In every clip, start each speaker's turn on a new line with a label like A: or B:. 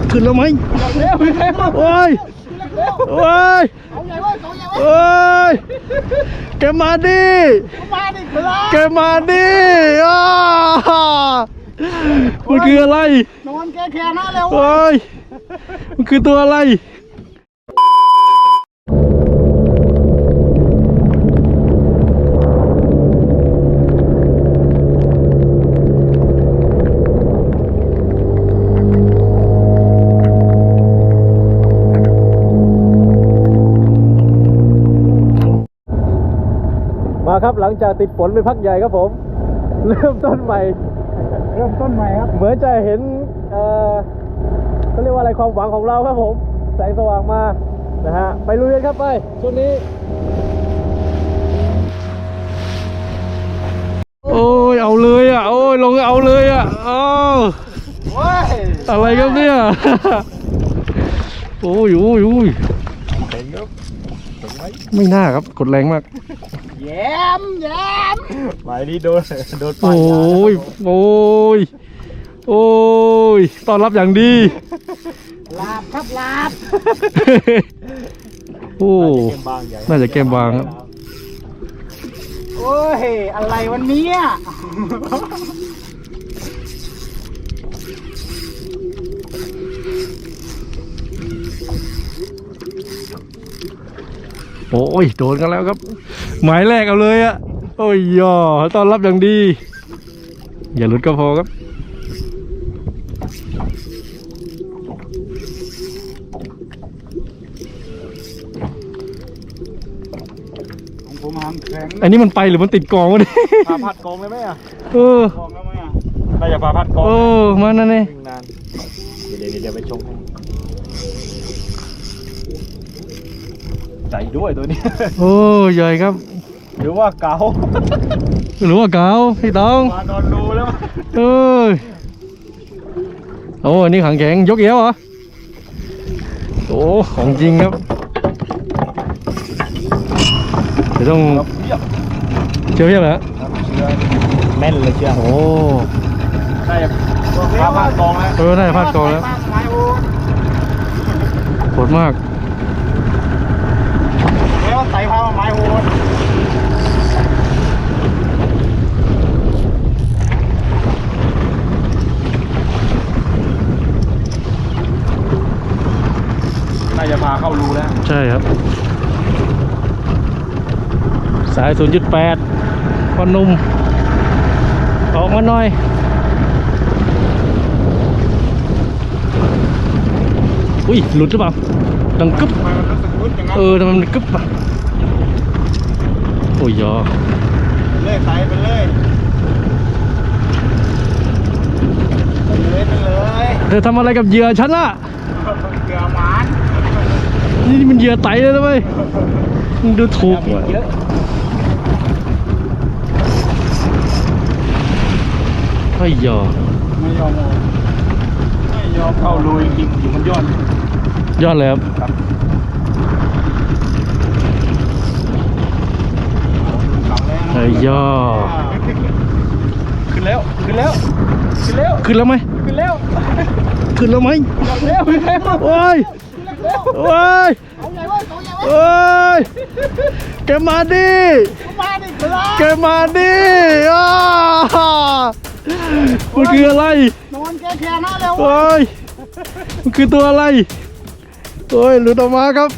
A: ขึ้นแล้วไหมโอ้ยโอ้ยโอ้ยแกมาดิแกมาดิมันคืออะไรนอนแกแค่นั้นแล้วโอ้ยมันคือตัวอะไรมาครับหลังจากติดฝนไปพักใหญ่ครับผมเริ่มต้นใหม่ครับเหมือนจะเห็นเขาเรียกว่าอะไรความหวังของเราครับผมแสงสว่างมานะฮะไปลุยกันครับไปช่วงนี้โอ้ยเอาเลยอ่ะโอ้ยลงเอาเลยอ่ะอ้าวอะไรครับเนี่ยโอ้ยไม่น่าครับกดแรงมากแย้มหมายนี้โดนปโอ้ยต้อนรับอย่างดีลาบครับลาบโอ้น่าจะเกมบางครับโอ้ยอะไรวันนี้โอ้ยโดนกันแล้วครับหมายแรกเอาเลยอะโอ้ยย่อต้อนรับอย่างดีอย่าหลุดก็พอครับผมหามแข็งอันนี้มันไปหรือมันติดกองวะเนี่ยพาพัดกองเลยไหมอ่ะกองแล้วไหมอ่ะน่าจะพาพัดกองมานั่นเองเดี๋ยวไปชงให้ใจด้วยตัวนี้โอ้ใหญ่ครับหรือว่าเก๋าพี่ต้องมานอนดูแล้วโอ้อันนี้ขังแข็งยกเอวเหรอโอ้ของจริงครับเดี๋ยวต้องเชื่อเพียบเหรอแม่นเลยเชื่อโอ้ได้พาดกองแล้วได้พาดกองแล้วโหดมากแล้วใส่ผ้าไม้โหดน่าจะพาเข้ารูแล้วใช่ครับสาย 0.8 พอนุ่มออกมาหน่อยอุ้ยหลุดหรือเปล่าดังกึ๊บทำไมมันกึ๊บอ่ะโอ้ยยอเลยใส่ไปเลยเธอทำอะไรกับเหยื่อฉันล่ะเหยื่อหวานนี่มันเหยื่อไตเลยนะเว้ยมึงดูถูกว่ะไม่ยอมเข้าลุยจริงอยู่มันยอดเลยครับไอ้ยอขึ้นแล้วไหมโอ้ยแกมาดิมันคืออะไรนอนแกแค่นั้นแล้วโอ้ยมันคือตัวอะไรโอ้ยหลุดออกมาครับ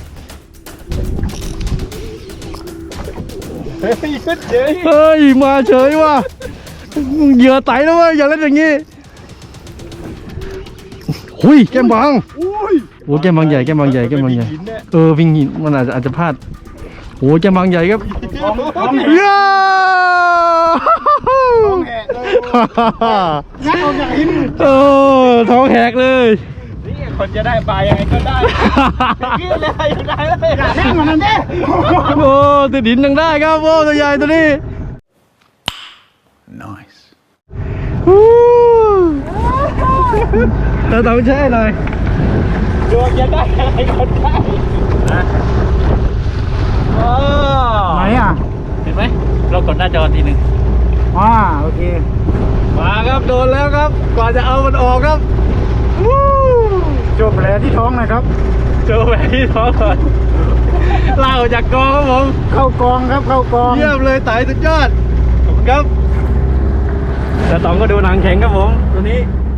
A: เฮ้ยมาเฉยว่ะเหยื่อไต่แล้วเว้ยอย่าเล่นอย่างงี้หุยแก้มบางโอ้แก้มบางใหญ่วิ่งหินมันอาจจะพลาดโอ้แก้มบางใหญ่ครับย้าท้องแหกเลยนี่คนจะได้ปลายังไงก็ได้ยืดเลยอยู่ได้เลยแค่มันนั่นดิโอ้ติดดินยังได้ครับโอ้ตัวใหญ่ตัวนี้ nice เราต้องใช่หน่อยดวงจะได้อะไรก็ได้ไหนอ่ะเห็นไหมเรากดหน้าจอทีหนึ่งโอเคมาครับโดนแล้วครับก่อนจะเอามันออกครับโชค
B: ว์แผลที่ท้องหนะครับ
A: โชว์แหวนที่ท้องก่อนลากออกจากกองครับผม
B: เข้ากองครับเข้ากอง
A: เยี่ยมเลยไต่สุดยอดขอบคุณครับแต่ต๋องก็ดูหนังแข็งครับผมตัวนี้